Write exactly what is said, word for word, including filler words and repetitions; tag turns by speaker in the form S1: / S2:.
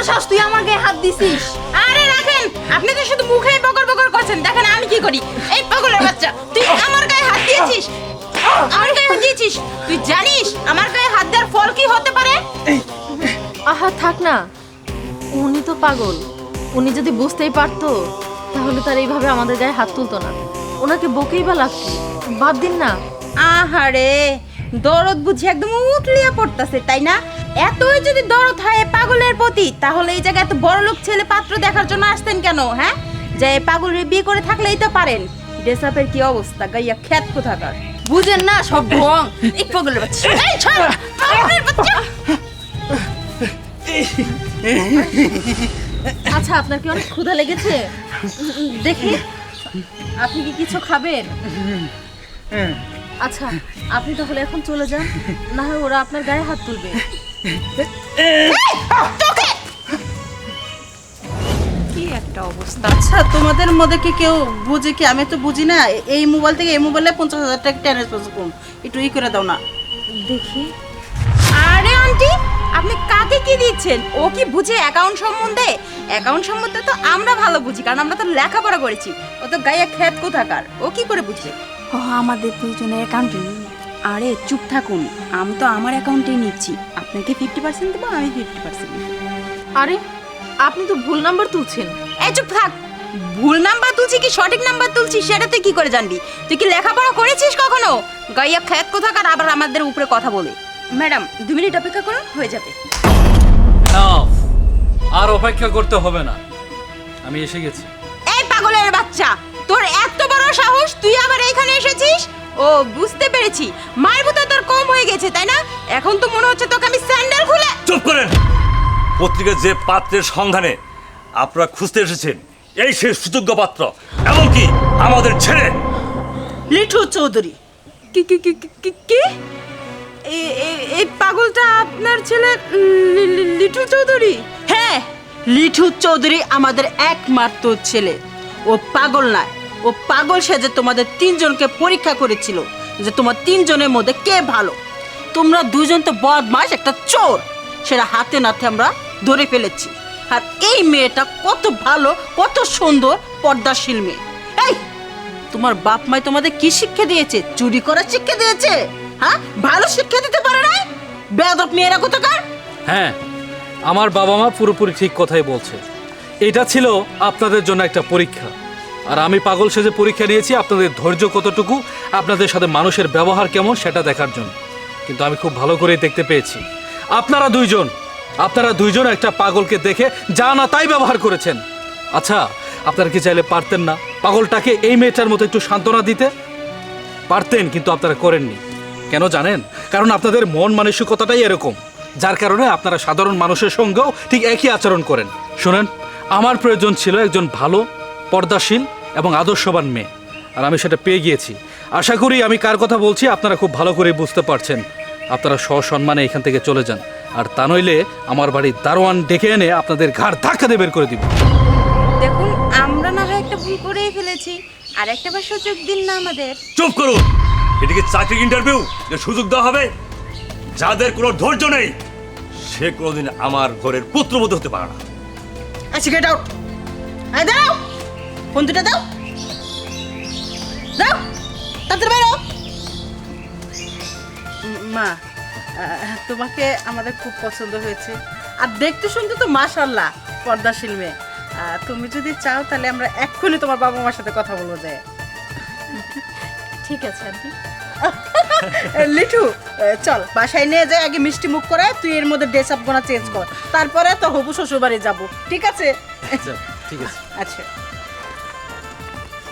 S1: সাহস তুই আমার গায়ে হাত দিছিস?
S2: আরে রাখেন, আপনি তো শুধু মুখেই বকর বকর করছেন, দেখেন আমি কি করি। এই পাগলের বাচ্চা, তুই আমার গায়ে হাত দিয়েছিস, আমার গায়ে হাত দিয়েছিস। তুই জানিস আমার গায়ে হাত দেওয়ার ফল কি হতে পারে?
S1: আহা থাক না, উনি তো পাগল। উনি যদি বুঝতেই পারতো তাহলে তার এইভাবে আমাদের গায়ে হাত তুলতো না। ওনাকে বকেই বা লাগতো, বাদ দিন না।
S2: আহারে, দরদ বুঝি একদম উতলিয়ে পড়তাছে, তাই না? এতই যদি দরদ হয় পাগলের প্রতি, তাহলে এই জায়গায় এত বড় লোক ছেলে পাত্র দেখার জন্য আসতেন কেন? হ্যাঁ, যে পাগলের বিয়ে করে থাকলেই তো পারেন। ডেসাপের কি অবস্থা, গাইয়া খ্যাত কোথাকার,
S1: বুঝেন না সব ঢং। এই পাগলের বাচ্চা,
S2: এই ছাড়, পাগলের বাচ্চা।
S1: আচ্ছা আপনার কি অনেক ক্ষুধা লেগেছে? দেখি আপনি কি কিছু খাবেন? আচ্ছা আপনি তাহলে এখন চলে যান, না হয় ওরা আপনার গায়ে হাত তুলবে।
S2: কি একটা অবস্থা। আচ্ছা তোমাদের মধ্যে কি কেউ বুঝে কি? আমি তো বুঝি না। এই মোবাইল থেকে এই মোবাইলে পঞ্চাশ হাজার টাকা ট্রান্সফার করুন, একটু ই করে দাও না।
S1: দেখি।
S2: আরে আন্টি, আপনি কাকে কি দিচ্ছেন? ও কি বুঝে অ্যাকাউন্ট সম্বন্ধে? অ্যাকাউন্ট সম্বন্ধে তো আমরা ভালো বুঝি, কারণ আমরা তো লেখাপড়া করেছি। ও তো গায়ে খ্যাত কোথাকার, ও কি করে বুঝবে? ও আমাদের দুজনের অ্যাকাউন্টে। আরে চুপ থাকুন, আমি তো আমার অ্যাকাউন্টেই নিচ্ছি। আপনাকে ফিফটি পার্সেন্ট দেবো, আমি ফিফটি পার্সেন্ট।
S1: আরে আপনি তো ভুল নাম্বার তুলছেন।
S2: এই চুপ থাক। ভুল নাম্বার তুলছি কি সঠিক নাম্বার তুলছি সেটা তুই কি করে জানবি? তুই কি লেখাপড়া করেছিস কখনো? গাইয়া খ্যাত কোথাকার, আবার আমাদের উপরে কথা বলে। ম্যাডাম দু মিনিট অপেক্ষা করুন, হয়ে যাবে।
S3: Enough! আর অপেক্ষা করতে হবে না, আমি এসে গেছি।
S2: এই পাগলের বাচ্চা, তোর এত বড় সাহস, তুই আবার এখানে এসেছিস? ও বুঝতে পেরেছি, মায়ের মতো তোর কম হয়ে গেছে, তাই না? এখন তো মনে হচ্ছে তোকে আমি স্যান্ডেল খুলে।
S4: চুপ করেন। পত্রিকার যে পাত্রের সন্ধানে আপনারা খুঁজতে এসেছেন, এই সেই সুযোগ্য পাত্র, এমনকি আমাদের ছেলে
S2: লিঠু চৌধুরী। কি কি কি কি- কি কি এ- এ- এই পাগলটা আপনার ছেলে লি- লি- লিঠু চৌধুরী? হ্যাঁ, লিঠু চৌধুরী আমাদের একমাত্র ছেলে। ও পাগল নয়, ও পাগল সেজে তোমাদের তিনজনকে পরীক্ষা করেছিল যে তোমার তিনজনের মধ্যে কে ভালো। তোমরা দুজন তো বদমাশ, একটা চোর, সেটা হাতে নাতে আমরা ধরে ফেলেছি। আর এই মেয়েটা কত ভালো, কত সুন্দর, পর্দাশীল মেয়ে। এই তোমার বাপ মাই তোমাদের কি শিক্ষা দিয়েছে? চুরি করার শিক্ষা দিয়েছে? হ্যাঁ, ভালো শিক্ষা দিতে পারে না? বেয়াদব মেয়েরা কোথাকার।
S3: হ্যাঁ, আমার বাবা মা পুরোপুরি ঠিক কথাই বলছে। এটা ছিল আপনাদের জন্য একটা পরীক্ষা, আর আমি পাগল সেজে পরীক্ষা নিয়েছি আপনাদের ধৈর্য কতটুকু, আপনাদের সাথে মানুষের ব্যবহার কেমন সেটা দেখার জন্য। কিন্তু আমি খুব ভালো করেই দেখতে পেয়েছি আপনারা দুইজন আপনারা দুইজন একটা পাগলকে দেখে যা না তাই ব্যবহার করেছেন। আচ্ছা, আপনারা কি চাইলে পারতেন না পাগলটাকে এই মেয়েটার মতো একটু সান্ত্বনা দিতে? পারতেন, কিন্তু আপনারা করেননি। কেন জানেন? কারণ আপনাদের মন মানসিকতাটাই এরকম, যার কারণে আপনারা সাধারণ মানুষের সঙ্গেও ঠিক একই আচরণ করেন। শুনেন, আমার প্রয়োজন ছিল একজন ভালো, পর্দাশীল এবং আদর্শবান মেয়ে, আর আমি সেটা পেয়ে গিয়েছি। আশা করি আমি কার কথা বলছি আপনারা খুব ভালো করে বুঝতে পারছেন। আপনারা সসম্মানে এখান থেকে চলে যান, আর তা নইলে আমার বাড়ির দারোয়ান ডেকে এনে আপনাদের ঘাড় ধাক্কা দিয়ে বের করে দিব।
S2: দেখুন, আমরা না হয় একটা ভুল করেই ফেলেছি, আর একটা বার সুযোগ দিন না আমাদের।
S4: চুপ করুন। এটিকে চাকরি ইন্টারভিউ যে সুযোগ দেওয়া হবে? যাদের কোনো ধৈর্য নেই সে কোনোদিন আমার ঘরের পুত্রবধূ হতে পারে না।
S2: আচ্ছা, গেট আউট। আয় দাও, ফোন দুটা দাও, দাও, তাড়াতাড়ি বেরো। মা, আহ, তোমাকে আমাদের খুব পছন্দ হয়েছে, আর দেখতে শুনতে তো মাশাআল্লাহ পর্দাশীল মেয়ে। আহ, তুমি যদি চাও তাহলে আমরা এক্ষুনি তোমার বাবা মার সাথে কথা বলবো। যায়
S1: ঠিক আছে আন্টি।
S2: লিঠু, চল বাসায় নিয়ে যাই, আগে মিষ্টি মুখ করে তুই এর মধ্যে ড্রেস আপ গোনা চেঞ্জ কর, তারপরে তো হবু শ্বশুর বাড়ি যাবো। ঠিক আছে?
S3: ঠিক আছে।
S2: আচ্ছা।